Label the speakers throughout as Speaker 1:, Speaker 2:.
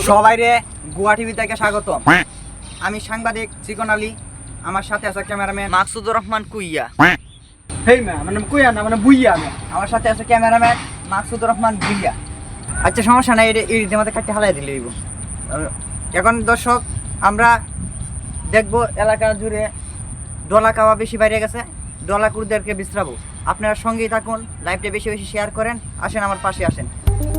Speaker 1: সবাইরে গোয়া টিভি থেকে স্বাগত। আমি সাংবাদিক চিকন আলী, আমার সাথে আছে ক্যামেরাম্যান মাকসুদুর রহমান কুইয়া।
Speaker 2: হেই ম্যাম, মানে কুইয়া না, মানে বুইয়া ম্যাম।
Speaker 1: আমার সাথে আছে ক্যামেরাম্যান মাকসুদুর রহমান ভুইয়া। আচ্ছা, সমস্যা নাই, এর মধ্যে কাটতে হালাই দিলে দিব। এখন দর্শক, আমরা দেখবো এলাকা জুড়ে ডলা খাওয়া বেশি বাইরে গেছে, ডলাকুরদেরকে বিশ্রাবো। আপনারা সঙ্গেই থাকুন, লাইভটা বেশি বেশি শেয়ার করেন। আসেন আমার পাশে আসেন।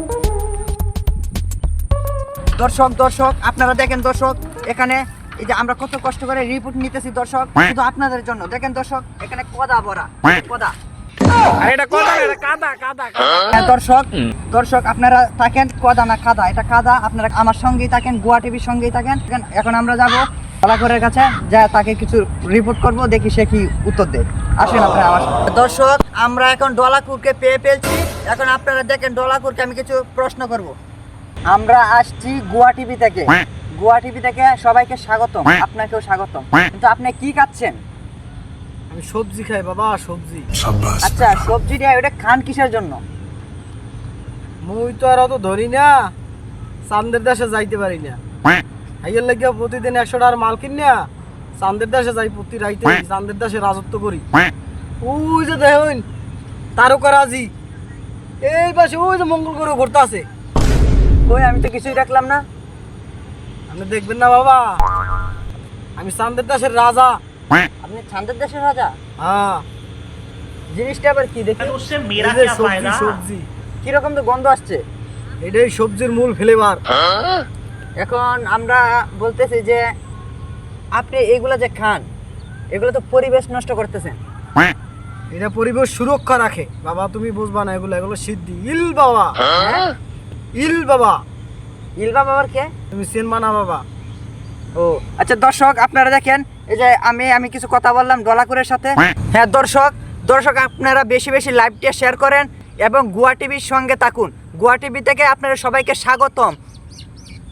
Speaker 1: দর্শক আপনারা দেখেন দর্শক, এখানে এই যে আমরা কত কষ্ট করে রিপোর্ট নিতেছি দর্শক, শুধু আপনাদের জন্য। দেখেন দর্শক, এখানে কদা ভরা কদা।
Speaker 2: আরে এটা কথা না, এটা কাদা কাদা।
Speaker 1: হ্যাঁ দর্শক আপনারা থাকেন, কদা না কাদা, এটা কাদা। আপনারা আমার সঙ্গেই থাকেন, গোয়া টিভির সঙ্গেই থাকেন। এখন আমরা যাবো কলাকরের কাছে, যা তাকে কিছু রিপোর্ট করব, দেখি সে কি উত্তর দেয়। আসেন আপনারা আমার সঙ্গে। দর্শক, আমরা এখন ডলাকুরকে পেয়ে ফেলছি। এখন আপনারা দেখেন, ডলাকুরকে আমি কিছু প্রশ্ন করব। আমরা আসছি গোয়া টিভি থেকে। গোয়া টিভি থেকে সবাইকে স্বাগতম, আপনাকেও স্বাগতম। কিন্তু আপনি কি খাচ্ছেন?
Speaker 2: আমি সবজি খাই বাবা, সবজি।
Speaker 1: আচ্ছা, সবজিটা ওটা খান কিসের জন্য?
Speaker 2: মুই তো আর অত ধরি না, চান্দের দেশে যাইতে পারি না। হাইয়ের লাগিয়া প্রতিদিন 100 টাকার মাল কিনা চান্দের দেশে যাই, প্রতি রাইতে চান্দের দেশে রাজত্ব করি। ওই যে দেখুন তারকারাজি, এই পাশে ওই যে মঙ্গল গ্রহ ঘুরতে আছে।
Speaker 1: ওই আমি তো কিছুই দেখলাম না।
Speaker 2: আপনি দেখবেন না বাবা, আমি চান্দের দেশের রাজা।
Speaker 1: আপনি চাঁদের দেশের রাজা?
Speaker 2: হ্যাঁ।
Speaker 1: জিনিসটা আবার কি দেখি?
Speaker 2: এই যে সবজি সবজি,
Speaker 1: কিরকম তো গন্ধ আসছে।
Speaker 2: এটাই সবজির মূল ফ্লেভার।
Speaker 1: এখন আমরা বলতেছি যে আপনি এগুলো যে খান, এগুলো তো পরিবেশ নষ্ট করতেছেন।
Speaker 2: এটা পরিবেশ সুরক্ষা রাখে বাবা, তুমি বুঝবা না। এগুলো এগুলো সিদ্ধি ইল বাবা।
Speaker 1: হ্যাঁ?
Speaker 2: ইল বাবা,
Speaker 1: ইলবা বাবার কে?
Speaker 2: তুমি চেনবা না বাবা।
Speaker 1: ও আচ্ছা দর্শক, আপনারা দেখেন, এই যে আমি কিছু কথা বললাম ডলাকুরের সাথে। হ্যাঁ দর্শক আপনারা বেশি বেশি লাইভটা শেয়ার করেন এবং গোয়া টিভির সঙ্গে থাকুন। গোয়া টিভি থেকে আপনারা সবাইকে স্বাগতম।